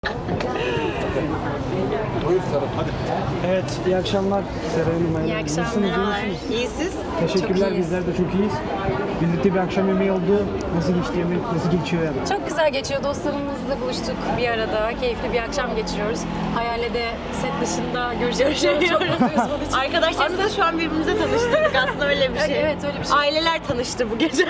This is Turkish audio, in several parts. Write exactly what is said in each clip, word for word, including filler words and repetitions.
Buyur Serap, hadi. Evet, iyi akşamlar Seray Hanım. İyi Nasılsınız, iyi akşamlar. misiniz? İyi siz? Teşekkürler, Çok iyiyiz. bizler de çok iyiyiz. Birlikte bir akşam yemeği oldu. Nasıl geçti yemek, nasıl geçiyor yani? Çok güzel geçiyor. Dostlarımızla buluştuk bir arada. Keyifli bir akşam geçiriyoruz. Hayal'le de set dışında görüşüyoruz. Çok mutluyuz bunun için. Arkadaşlarımızla şu an birbirimize tanıştırdık aslında öyle bir şey. Evet, öyle bir şey. Aileler tanıştı bu gece.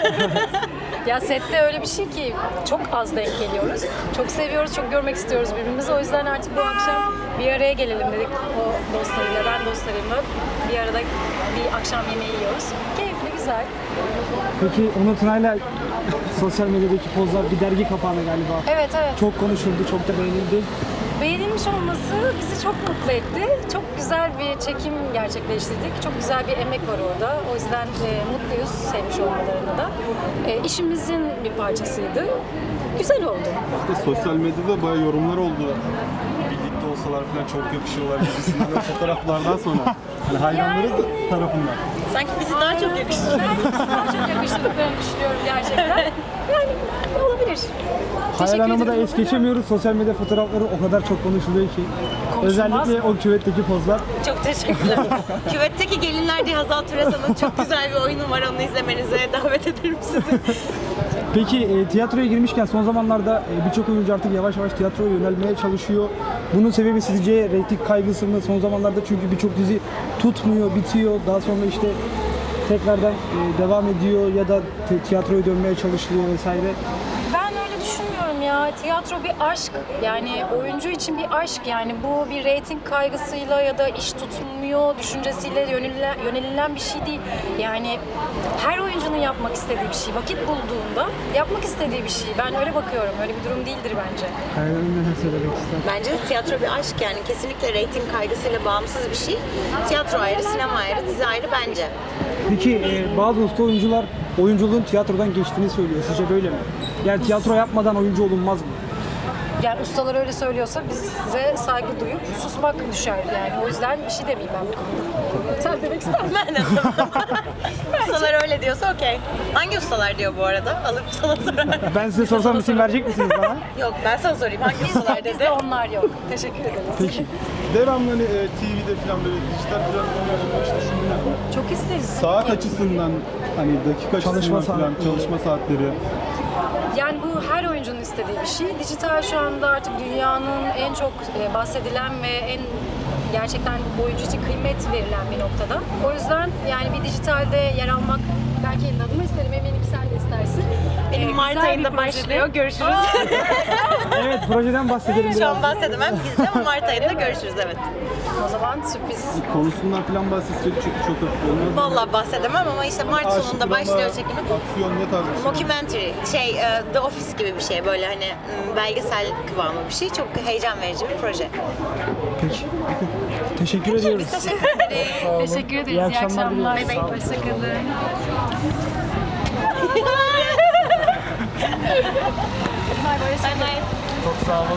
Ya sette öyle bir şey ki çok az denk geliyoruz. Çok seviyoruz, çok görmek istiyoruz birbirimizi. O yüzden artık bu akşam bir araya gelelim dedik. O dostlarıyla, ben dostlarımla bir arada bir akşam yemeği yiyoruz. Keyifli, güzel. Peki Onur Tuna'yla sosyal medyadaki pozlar bir dergi kapağına galiba. Evet, evet. Çok konuşuldu, çok da beğenildi. Beğenilmiş olması bizi çok mutlu etti. Çok güzel bir çekim gerçekleştirdik. Çok güzel bir emek var orada. O yüzden e, mutluyuz sevmiş olmalarına da. E, işimizin bir parçasıydı. Güzel oldu. İşte sosyal medyada bayağı yorumlar oldu. Birlikte olsalar falan çok yakışıyorlar gibisinden de fotoğraflardan sonra. Hani hayranlarız Yani- tarafından. Sanki bizi daha çok yakıştı. Ben daha çok yakıştırdıklarını düşünüyorum gerçekten. Yani olabilir. Hayal Teşekkür Hanım'ı da ederim. es geçemiyoruz. Sosyal medya fotoğrafları o kadar çok konuşuluyor ki. Konuşulmaz Özellikle o küvetteki pozlar. Çok teşekkürler. Küvetteki Gelinler diye Hazal Türesan'ın çok güzel bir oyunu var. Onu izlemenize davet ederim sizi. Peki e, tiyatroya girmişken son zamanlarda e, birçok oyuncu artık yavaş yavaş tiyatroya yönelmeye çalışıyor. Bunun sebebi sizce reyting kaygısı mı? Son zamanlarda çünkü birçok dizi tutmuyor, bitiyor. Daha sonra işte tekrardan e, devam ediyor ya da te- tiyatroya dönmeye çalışılıyor vesaire. Ben öyle düşünmüyorum ya. Tiyatro bir aşk. Yani oyuncu için bir aşk. Yani bu bir reyting kaygısıyla ya da iş tutmuyor düşüncesiyle yönelilen, yönelilen bir şey değil. Yani her oyuncunun yapmak istediği bir şey. Vakit bulduğunda yapmak istediği bir şey. Ben öyle bakıyorum. Öyle bir durum değildir bence. Hayal Hanım neler söylemek ister? Bence de tiyatro bir aşk yani. Kesinlikle reyting kaygısıyla bağımsız bir şey. Tiyatro ayrı, sinema ayrı, dizi ayrı bence. Peki e, bazı usta oyuncular oyunculuğun tiyatrodan geçtiğini söylüyor. Sizce böyle mi? Yani tiyatro yapmadan oyuncu olunmaz mı? Yani ustalar öyle söylüyorsa bize saygı duyup susmak düşer yani. O yüzden bir şey demeyeyim ben bu konuda. Sen demek ister misin? Ben de Ustalar öyle diyorsa okey. Hangi ustalar diyor bu arada? Alıp sana sorarım. Ben size sorsam isim verecek misiniz bana? Yok ben sana sorayım. Hangi ustalar dedi? Bizde onlar yok. Teşekkür ederiz. Peki. Devamlı hani e, T V'de falan böyle dijital platformlarda işte şunlar. Çok isteriz. Saat açısından hani dakika Çalışma açısından falan saatleri. çalışma saatleri. Yani bu her oyuncunun istediği bir şey. Dijital şu anda artık dünyanın en çok e, bahsedilen ve en gerçekten oyuncu için kıymet verilen bir noktada. O yüzden yani bir dijitalde yer almak belki elin adımı isterim. Eminim ki sen de istersin. Benim Ee, Mart güzel bir ayında projede- başlıyor. Görüşürüz. Evet, projeden bahsedelim Şu biraz. an bahsedemem bizde ama Mart ayında görüşürüz evet. O zaman sürpriz. Konusundan falan bahsedecek çok çok hafif olmaz. Vallahi bahsedemem ama işte Mart Aşık sonunda drama, başlıyor çekimi. Aksiyon ne tarz bir şey? Mockumentary, şey e, The Office gibi bir şey böyle hani m, belgesel kıvamı bir şey. Çok heyecan verici bir proje. Peki. Teşekkür ediyoruz. Biz teşekkür ederiz. Teşekkür ederiz. İyi İyi akşamlar akşamlar. diliyoruz. Sağ olun. Hoşçakalın. Bye bye. Çok sağ olun.